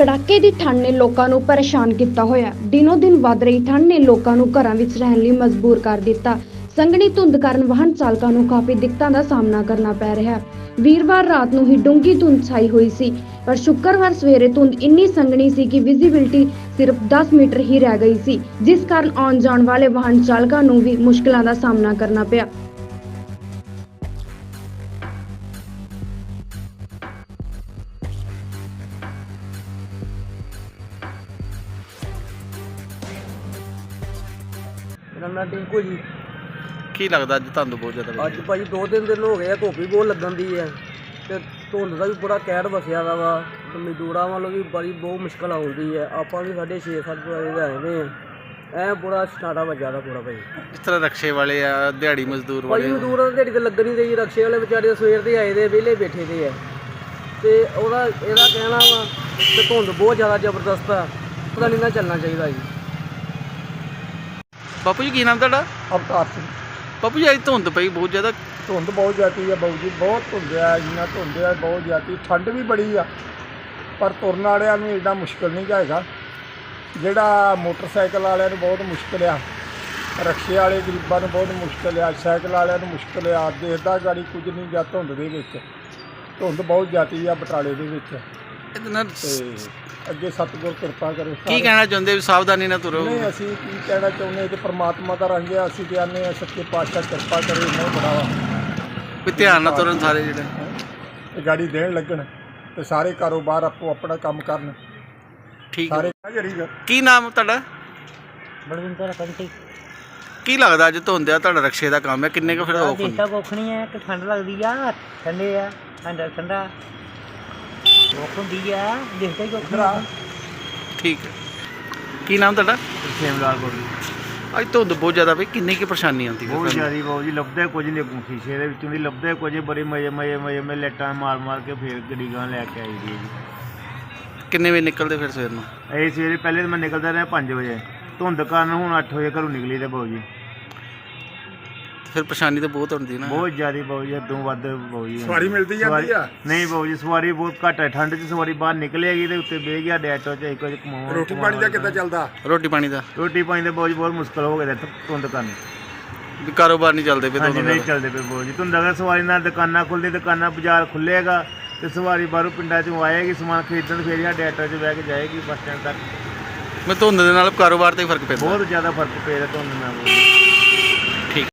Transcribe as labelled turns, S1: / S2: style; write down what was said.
S1: ਕੜਾਕੇ ਦੀ ਠੰਡ ਨੇ ਲੋਕਾਂ ਨੂੰ ਪਰੇਸ਼ਾਨ ਕੀਤਾ ਹੋਇਆ। ਦਿਨੋ ਦਿਨ ਵੱਧ ਰਹੀ ਠੰਡ ਨੇ ਲੋਕਾਂ ਨੂੰ ਘਰਾਂ ਵਿੱਚ ਰਹਿਣ ਲਈ ਮਜਬੂਰ ਕਰ ਦਿੱਤਾ। ਸੰਘਣੀ ਧੁੰਦ ਕਾਰਨ ਵਾਹਨ ਚਾਲਕਾਂ ਨੂੰ ਕਾਫੀ ਦਿੱਕਤਾਂ ਦਾ ਸਾਹਮਣਾ ਕਰਨਾ ਪੈ ਰਿਹਾ ਹੈ। ਵੀਰਵਾਰ ਰਾਤ ਨੂੰ ਹੀ ਡੂੰਘੀ ਧੁੰਦ ਛਾਈ ਹੋਈ ਸੀ, ਪਰ ਸ਼ੁੱਕਰਵਾਰ ਸਵੇਰੇ ਧੁੰਦ ਇੰਨੀ ਸੰਘਣੀ ਸੀ ਕਿ ਵਿਜ਼ਿਬਿਲਟੀ ਸਿਰਫ 10 ਮੀਟਰ ਹੀ ਰਹਿ ਗਈ ਸੀ, ਜਿਸ ਕਾਰਨ ਆਉਣ ਜਾਣ ਵਾਲੇ ਵਾਹਨ ਚਾਲਕਾਂ ਨੂੰ ਵੀ ਮੁਸ਼ਕਲਾਂ ਦਾ ਸਾਹਮਣਾ ਕਰਨਾ ਪਿਆ।
S2: ਮੇਰਾ ਨਾਂ ਟਿੰਕੂ ਜੀ।
S3: ਕੀ ਲੱਗਦਾ ਅੱਜ ਤੁਹਾਨੂੰ ਬਹੁਤ ਜ਼ਿਆਦਾ
S2: ਅੱਜ ਭਾਜੀ 2-3 ਦਿਨ ਹੋ ਗਏ ਆ, ਧੁੱਪ ਵੀ ਬਹੁਤ ਲੱਗਣ ਦੀ ਹੈ ਤੇ ਧੁੰਦ ਦਾ ਵੀ ਬੜਾ ਕਹਿਰ ਵਸਿਆ ਦਾ ਵਾ ਤੇ ਮਜ਼ਦੂਰਾਂ ਵੱਲੋਂ ਵੀ ਬੜੀ ਬਹੁਤ ਮੁਸ਼ਕਲ ਆਉਂਦੀ ਹੈ। ਆਪਾਂ ਵੀ 6:30-7 ਵਜੇ ਦੇ ਆਏ ਨੇ ਐ ਬੜਾ ਸਟਾਰਟਾ ਵੱਜਾ ਦਾ ਪੂਰਾ ਭਾਜੀ।
S3: ਇਸ ਤਰ੍ਹਾਂ ਰਕਸ਼ੇ ਵਾਲੇ ਆ, ਦਿਹਾੜੀ ਮਜ਼ਦੂਰ
S2: ਭਾਜੀ
S3: ਵਾਲੇ
S2: ਮਜ਼ਦੂਰਾਂ ਦੀ ਦਿਹਾੜੀ ਤੇ ਲੱਗਣ ਨਹੀਂ ਰਹੀ, ਰਕਸ਼ੇ ਵਾਲੇ ਵਿਚਾਰੇ ਸਵੇਰ ਦੇ ਆਏ ਦੇ ਵਿਹਲੇ ਬੈਠੇ ਦੇ ਆ ਤੇ ਇਹਦਾ ਕਹਿਣਾ ਵਾ ਤੇ ਧੁੰਦ ਬਹੁਤ ਜ਼ਿਆਦਾ ਜ਼ਬਰਦਸਤ ਆ, ਪਤਾ ਨਹੀਂ ਨਾ ਚੱਲਣਾ ਚਾਹੀਦਾ ਜੀ।
S3: ਬਾਪੂ ਜੀ ਕੀ ਨਾਮ ਤੁਹਾਡਾ?
S4: ਅਵਤਾਰ ਸਿੰਘ।
S3: ਬਾਪੂ ਜੀ ਅੱਜ ਧੁੰਦ ਪਈ ਬਹੁਤ ਜ਼ਿਆਦਾ।
S4: ਧੁੰਦ ਬਹੁਤ ਜ਼ਿਆਦੀ ਆ ਬਾਊ ਜੀ, ਬਹੁਤ ਧੁੰਦ ਆ, ਇੰਨਾ ਧੁੰਦ ਆ ਬਹੁਤ ਜ਼ਿਆਦੀ। ਠੰਡ ਵੀ ਬੜੀ ਆ ਪਰ ਤੁਰਨ ਵਾਲਿਆਂ ਨੂੰ ਐਡਾ ਮੁਸ਼ਕਿਲ ਨਹੀਂ ਹੈਗਾ। ਜਿਹੜਾ ਮੋਟਰਸਾਈਕਲ ਵਾਲਿਆਂ ਨੂੰ ਬਹੁਤ ਮੁਸ਼ਕਿਲ ਆ, ਰਕਸ਼ੇ ਵਾਲੇ ਗਰੀਬਾਂ ਨੂੰ ਬਹੁਤ ਮੁਸ਼ਕਿਲ ਆ, ਸਾਈਕਲ ਵਾਲਿਆਂ ਨੂੰ ਮੁਸ਼ਕਿਲ ਆ। ਦੇਖਦਾ ਗਾੜੀ ਕੁਝ ਨਹੀਂ ਗਿਆ ਧੁੰਦ ਦੇ ਵਿੱਚ। ਧੁੰਦ ਬਹੁਤ ਜ਼ਿਆਦੀ ਆ ਬਟਾਲੇ ਦੇ ਵਿੱਚ
S3: ਇਹਦੇ ਨਾਲ
S4: ਤੇ ਅੱਗੇ ਸਤਿਗੁਰ ਕਿਰਪਾ ਕਰੇ।
S3: ਕੀ ਕਹਿਣਾ ਚਾਹੁੰਦੇ ਵੀ ਸਾਵਧਾਨੀ ਨਾਲ ਤੁਰੋ?
S4: ਨਹੀਂ, ਅਸੀਂ ਕੀ ਕਹਿਣਾ ਚਾਹੁੰਦੇ ਕਿ ਪ੍ਰਮਾਤਮਾ ਦਾ ਰੰਗ ਆ, ਅਸੀਂ ਕਹਿੰਦੇ ਹਾਂ ਸੱਚੇ ਪਾਤਸ਼ਾਹ ਕਿਰਪਾ ਕਰੇ, ਨਹੀਂ ਬੜਾਵਾ
S3: ਵੀ ਧਿਆਨ ਨਾਲ ਤੁਰਨ ਸਾਰੇ ਜਿਹੜੇ
S4: ਇਹ ਗਾੜੀ ਦੇਣ ਲੱਗਣ ਤੇ ਸਾਰੇ ਕਾਰੋਬਾਰ ਆਪੋ ਆਪਣਾ ਕੰਮ ਕਰਨ।
S3: ਠੀਕ
S4: ਸਾਰੇ
S3: ਹੈ। ਕੀ ਨਾਮ ਤੁਹਾਡਾ?
S5: ਬਲਵਿੰਦਰ ਕੰਟੀ।
S3: ਕੀ ਲੱਗਦਾ ਅੱਜ ਧੁੰਦ ਆ, ਤੁਹਾਡਾ ਰਕਸ਼ੇ ਦਾ ਕੰਮ ਹੈ, ਕਿੰਨੇ ਕੁ ਫਿਰ ਔਖ ਹੁੰਦੀ?
S5: ਦੇਖਦਾ ਕੋਖਣੀ ਹੈ ਕਿ ਠੰਡ ਲੱਗਦੀ ਆ, ਠੰਡੇ ਆ, ਠੰਡਾ ਔਖ ਹੁੰਦੀ ਆ, ਦੇਖਦਾ ਹੀ ਕੋਖਣਾ।
S3: ਠੀਕ ਹੈ। ਕੀ ਨਾਮ ਤੁਹਾਡਾ?
S6: ਸੇਮਲਾਲ ਕੋਲ
S3: ਅੱਜ ਧੁੰਦ ਬਹੁਤ ਜ਼ਿਆਦਾ ਪਈ, ਕਿੰਨੀ ਕੁ ਪਰੇਸ਼ਾਨੀ ਆਉਂਦੀ ਹੈ
S6: ਬਹੁਤ
S3: ਤੁਹਾਨੂੰ?
S6: ਜ਼ਿਆਦਾ ਬਾਬੂ ਜੀ, ਲੱਭਦੇ ਕੁਝ ਨਹੀਂ ਸ਼ੀਸ਼ੇ ਦੇ ਵਿੱਚੋਂ ਦੀ ਲੱਭਦੇ ਕੁਝ, ਬੜੇ ਮਜ਼ੇ ਮੈਂ ਲੈਟਾਂ ਮਾਰ ਕੇ ਫੇਰ ਗੱਡੀ ਗਾਂ ਲੈ ਕੇ ਆਈ ਦੀ ਜੀ।
S3: ਕਿੰਨੇ ਵਜੇ ਨਿਕਲਦੇ ਫਿਰ ਸਵੇਰ ਨੂੰ?
S6: ਇਹ ਸਵੇਰੇ ਪਹਿਲੇ ਤਾਂ ਮੈਂ ਨਿਕਲਦਾ ਰਿਹਾ 5 ਵਜੇ, ਧੁੰਦ ਕਾਰਨ ਹੁਣ 8 ਵਜੇ ਘਰੋਂ ਨਿਕਲੀ ਤੇ ਬਾਬੂ ਜੀ
S3: ਫਿਰ ਪਰੇਸ਼ਾਨੀ ਤਾਂ ਬਹੁਤ ਹੁੰਦੀ ਨਾ।
S6: ਬਹੁਤ ਜ਼ਿਆਦਾ ਬਾਬੂ ਜੀ, ਹੱਦੋਂ ਵੱਧ ਬਾਬੂ ਜੀ।
S4: ਸਵਾਰੀ ਮਿਲਦੀ ਜਾਂਦੀ ਆ?
S6: ਨਹੀਂ ਬਾਬੂ ਜੀ, ਸਵਾਰੀ ਬਹੁਤ ਘੱਟ ਹੈ। ਠੰਡ 'ਚ ਸਵਾਰੀ ਬਾਹਰ ਨਿਕਲੇਗੀ ਤੇ ਉੱਤੇ ਬਹਿ ਗਿਆ ਡੈਟੋ 'ਚ ਇੱਕ ਵਜੇ ਕਮਾਉਣ।
S4: ਰੋਟੀ ਪਾਣੀ ਦਾ ਕਿੱਦਾਂ ਚੱਲਦਾ?
S3: ਰੋਟੀ ਪਾਣੀ ਦਾ
S6: ਰੋਟੀ ਪਾਣੀ ਦਾ ਬਾਬੂ ਜੀ ਬਹੁਤ ਮੁਸ਼ਕਲ ਹੋ ਗਿਆ ਧੁੰਦ ਕਾਰਨ।
S3: ਵੀ ਕਾਰੋਬਾਰ ਨਹੀਂ ਚੱਲਦੇ ਪਏ
S6: ਹਾਂਜੀ,
S3: ਧੁੰਦ
S6: ਨਹੀਂ
S3: ਨਾਲ?
S6: ਚੱਲਦੇ ਪਏ ਬਾਬੂ ਜੀ। ਧੁੰਦ ਅਗਰ ਸਵਾਰੀ ਨਾਲ ਦੁਕਾਨਾਂ ਖੁੱਲ੍ਹਦੀ, ਦੁਕਾਨਾਂ ਬਾਜ਼ਾਰ ਖੁੱਲ੍ਹੇਗਾ ਤੇ ਸਵਾਰੀ ਬਾਹਰੋਂ ਪਿੰਡਾਂ 'ਚੋਂ ਆਏਗੀ ਸਮਾਨ ਖਰੀਦਣ, ਫਿਰ ਸਾਡੇ ਆਟੋ 'ਚ ਬਹਿ ਕੇ ਜਾਏਗੀ ਬੱਸ ਸਟੈਂਡ ਤੱਕ।
S3: ਮੈਂ ਧੁੰਦ ਦੇ ਨਾਲ ਕਾਰੋਬਾਰ ਤੇ ਹੀ ਫਰਕ ਪੈਂਦਾ।
S6: ਬਹੁਤ ਜ਼ਿਆਦਾ ਫਰਕ ਪੈ ਰਿਹਾ ਧੁੰਦ ਨਾਲ।